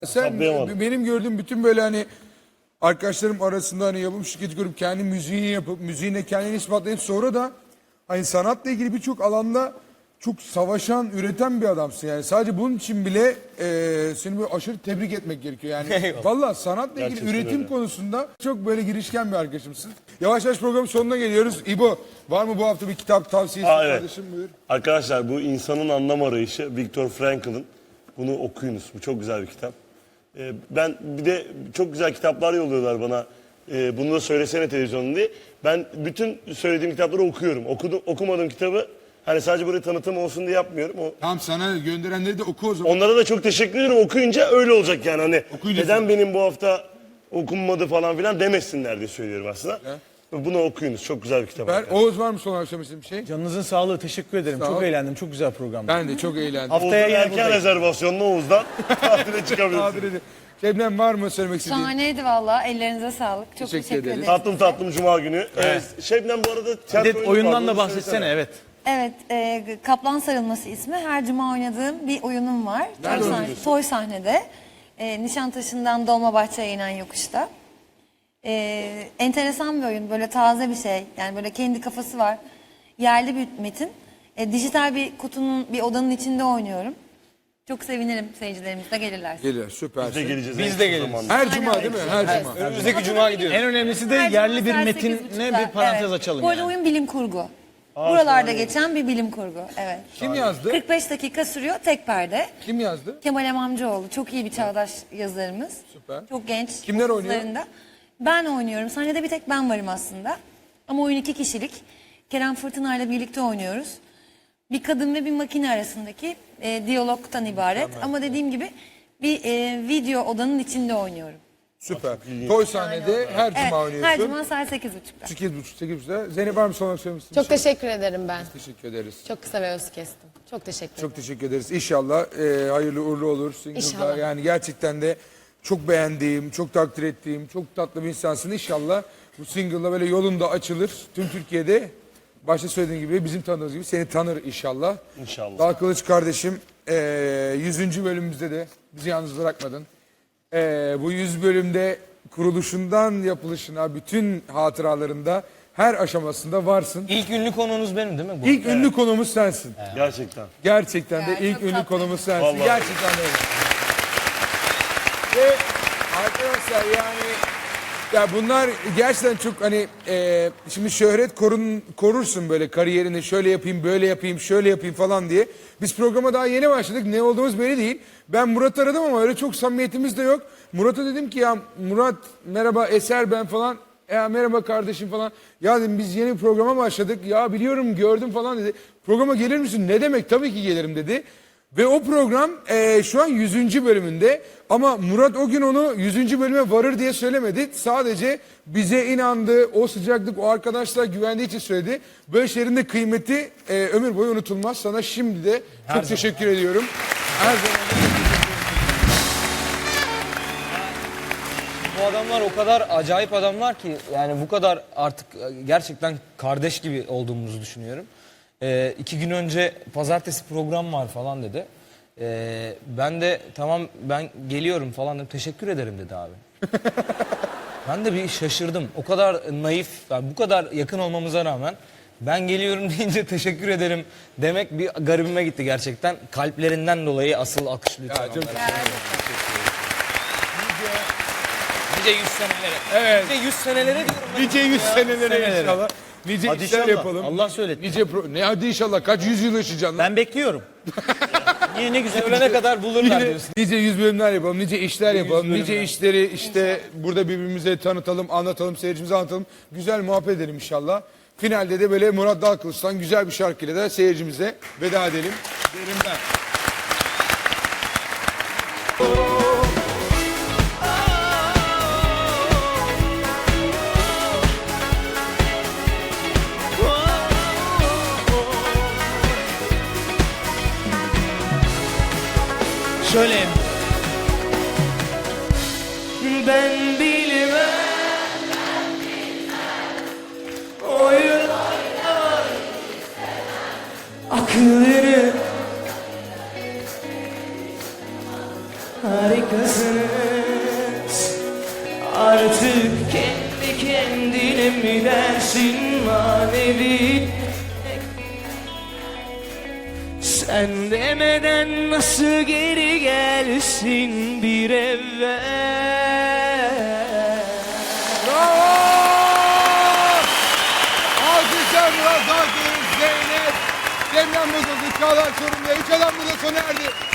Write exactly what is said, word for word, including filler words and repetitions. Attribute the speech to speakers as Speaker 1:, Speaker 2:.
Speaker 1: Sen benim gördüğüm bütün böyle hani arkadaşlarım arasında hani yapım şirketi kurup kendi müziğini yapıp müziğine kendini ispatlayıp sonra da hani sanatla ilgili birçok alanda çok savaşan, üreten bir adamsın yani. Sadece bunun için bile e, seni böyle aşırı tebrik etmek gerekiyor yani. Valla sanatla ilgili
Speaker 2: Gerçekten
Speaker 1: üretim
Speaker 2: öyle.
Speaker 1: konusunda çok böyle girişken bir arkadaşımsın. Yavaş yavaş programın sonuna geliyoruz. İbo, var mı bu hafta bir kitap tavsiyesi
Speaker 2: Aa, evet.
Speaker 1: kardeşim, buyur.
Speaker 2: Arkadaşlar bu insanın anlam arayışı Viktor Frankl'ın. Bunu okuyunuz. Bu çok güzel bir kitap. Ee, ben bir de çok güzel kitaplar yolluyorlar bana. Ee, bunu da söylesene televizyonda diye. Ben bütün söylediğim kitapları okuyorum. Okudum, okumadığım kitabı hani sadece böyle tanıtım olsun diye yapmıyorum. O,
Speaker 1: Tamam, sana gönderenleri de oku o zaman.
Speaker 2: onlara da çok teşekkür ederim. Okuyunca öyle olacak yani. Hani
Speaker 1: Okuyunca
Speaker 2: neden benim bu hafta okunmadı falan filan demesinler diye söylüyorum aslında.
Speaker 1: He.
Speaker 2: Bunu okuyunuz. Çok güzel bir kitap.
Speaker 1: Ver,
Speaker 2: arkadaşlar.
Speaker 1: Oğuz, var mı son akşam için bir şey?
Speaker 3: Canınızın sağlığı, teşekkür ederim.
Speaker 1: Sağ
Speaker 3: çok
Speaker 1: ol.
Speaker 3: eğlendim. Çok güzel programdı.
Speaker 1: Ben de çok eğlendim.
Speaker 3: Haftaya
Speaker 2: Oğuz'un
Speaker 3: yine
Speaker 2: erken
Speaker 3: buradayım.
Speaker 2: rezervasyonla Oğuz'dan tatile çıkabilirsiniz.
Speaker 1: Nadir edin. Şebnem, var mı söylemek istediğin?
Speaker 4: Şahaneydi valla. Ellerinize sağlık. Çok
Speaker 1: Teşekkür
Speaker 4: teşekkür,
Speaker 1: ederiz.
Speaker 4: ederim.
Speaker 2: Tatlım tatlım Cuma günü. Evet. Şebnem bu arada tiyatro
Speaker 3: Bir de
Speaker 2: oyunu
Speaker 3: oyundan
Speaker 2: vardı,
Speaker 3: da
Speaker 2: onu
Speaker 3: bahsetsene,
Speaker 2: söylesene.
Speaker 3: evet.
Speaker 4: Evet, e, Kaplan Sarılması ismi. Her cuma oynadığım bir oyunum var. Toy,
Speaker 1: Nerede
Speaker 4: sahne-
Speaker 1: oynuyorsun?
Speaker 4: toy sahnede. E, Nişantaşı'ndan Dolmabahçe'ye inen yokuşta. E, enteresan bir oyun. Böyle taze bir şey. Yani böyle kendi kafası var. Yerli bir metin. E, dijital bir kutunun, bir odanın içinde oynuyorum. Çok sevinirim seyircilerimiz de gelirlerse.
Speaker 1: Gelir,
Speaker 2: Biz de
Speaker 1: süpersin.
Speaker 2: geleceğiz.
Speaker 3: Biz
Speaker 2: en
Speaker 3: de
Speaker 2: kısa
Speaker 3: geliriz.
Speaker 2: zamanda.
Speaker 1: Her cuma değil mi? Her cuma.
Speaker 3: Önümüzdeki cuma gidiyoruz. En önemlisi de
Speaker 4: Her
Speaker 3: yerli
Speaker 4: cuma
Speaker 3: bir
Speaker 4: saat
Speaker 3: metinle
Speaker 4: sekiz buçukta.
Speaker 3: bir parantez
Speaker 4: Evet.
Speaker 3: açalım
Speaker 4: Bu arada
Speaker 3: yani.
Speaker 4: oyun bilim kurgu. Buralarda geçen bir bilim kurgu. Evet.
Speaker 1: Kim yazdı?
Speaker 4: kırk beş dakika sürüyor, tek perde.
Speaker 1: Kim yazdı?
Speaker 4: Kemal Emamcıoğlu çok iyi bir çağdaş yazarımız.
Speaker 1: Süper.
Speaker 4: Çok genç.
Speaker 1: Kimler oynuyor?
Speaker 4: otuzlarında. Ben oynuyorum. Sahnede bir tek ben varım aslında. Ama oyun iki kişilik. Kerem Fırtına ile birlikte oynuyoruz. Bir kadın ve bir makine arasındaki e, diyalogtan ibaret. Ama dediğim gibi bir e, video odanın içinde oynuyorum.
Speaker 1: Süper. Toy sahnede her
Speaker 4: Evet,
Speaker 1: cuma oynuyorsun.
Speaker 4: her cuma saat sekiz buçukta.
Speaker 1: sekiz buçuk, sekiz buçukta. Zeynep, var mı son olarak söylemek istediğin
Speaker 5: Çok
Speaker 1: bir şey?
Speaker 5: teşekkür ederim ben.
Speaker 1: Teşekkür ederiz.
Speaker 5: Çok kısa ve öz kestim. Çok teşekkür ederim.
Speaker 1: Çok teşekkür ederiz. İnşallah e, hayırlı uğurlu olur. Single'da.
Speaker 5: İnşallah.
Speaker 1: Yani gerçekten de çok beğendiğim, çok takdir ettiğim, çok tatlı bir insansın. İnşallah bu single'la böyle yolunda açılır. Tüm Türkiye'de başta söylediğim gibi, bizim tanıdığımız gibi seni tanır inşallah.
Speaker 2: İnşallah.
Speaker 1: Dağ Kılıç kardeşim, e, yüzüncü bölümümüzde de bizi yalnız bırakmadın. E, bu yüz bölümde kuruluşundan yapılışına bütün hatıralarında her aşamasında varsın.
Speaker 3: İlk ünlü konuğunuz benim değil mi? Bu?
Speaker 1: İlk ünlü konumuz sensin.
Speaker 2: Gerçekten.
Speaker 1: Gerçekten de
Speaker 4: Ya,
Speaker 1: ilk
Speaker 4: çok
Speaker 1: ünlü
Speaker 4: tatlı.
Speaker 1: konumuz sensin.
Speaker 2: Vallahi.
Speaker 1: Gerçekten de öyle. Ve arkadaşlar yani ya bunlar gerçekten çok hani e, şimdi şöhret korun, korursun böyle kariyerini, şöyle yapayım, böyle yapayım, şöyle yapayım falan diye. Biz programa daha yeni başladık. Ne olduğumuz belli değil. Ben Murat'ı aradım ama öyle çok samimiyetimiz de yok. Murat'a dedim ki ya Murat merhaba, Eser ben falan. Ya merhaba kardeşim falan. Ya dedim biz yeni bir programa başladık. Ya biliyorum, gördüm falan dedi. Programa gelir misin? Ne demek? Tabii ki gelirim dedi. Ve o program e, şu an yüzüncü bölümünde. Ama Murat o gün onu yüzüncü bölüme varır diye söylemedi. Sadece bize inandı, o sıcaklık, o arkadaşlar güvendiği için söyledi. Böyle şeylerin de kıymeti e, ömür boyu unutulmaz. Sana şimdi de çok teşekkür ediyorum. Her zaman da
Speaker 6: Bu adamlar o kadar acayip adamlar ki yani bu kadar artık gerçekten kardeş gibi olduğumuzu düşünüyorum. Ee, iki gün önce pazartesi program var falan dedi. Ee, ben de tamam ben geliyorum falan dedim. Teşekkür ederim dedi abi. Ben de bir şaşırdım. O kadar naif, yani bu kadar yakın olmamıza rağmen ben geliyorum deyince teşekkür ederim demek bir garibime gitti gerçekten. Kalplerinden dolayı asıl alkış lütfen.
Speaker 1: Ya, çok
Speaker 6: onlara. Nice yüz senelere.
Speaker 1: Evet.
Speaker 6: Nice yüz senelere diyorum ben.
Speaker 1: nice yüz senelere
Speaker 3: senelere.
Speaker 1: inşallah. Nice
Speaker 3: Hadi
Speaker 1: işler
Speaker 3: inşallah.
Speaker 1: yapalım.
Speaker 3: Allah söyletti.
Speaker 1: Nice pro- ne hadi inşallah, kaç yüz yıl yaşayacaksın lan?
Speaker 3: Ben bekliyorum. Niye, ne güzel.
Speaker 6: Ölene kadar bulurlar
Speaker 1: Nice,
Speaker 6: diyorsun.
Speaker 1: nice yüz bölümler yapalım, nice işler yapalım, nice işleri işte burada birbirimize tanıtalım, anlatalım, seyircimize anlatalım. Güzel muhabbet edelim inşallah. Finalde de böyle Murat Dalkılıç'tan güzel bir şarkıyla da seyircimize veda edelim. Derim ben.
Speaker 3: Şöyle.
Speaker 6: Ben bilmem. Oyun akılları harikasın
Speaker 7: artık kendi kendine mi dersin manevi? Sen demeden nasıl geri gelsin bir evvel?
Speaker 1: Bravo! Alkışlar Murat Akgül, Zeynep, Cemren Bozuldu, Çağlar Çorum'da. Üç adam burada sona erdi.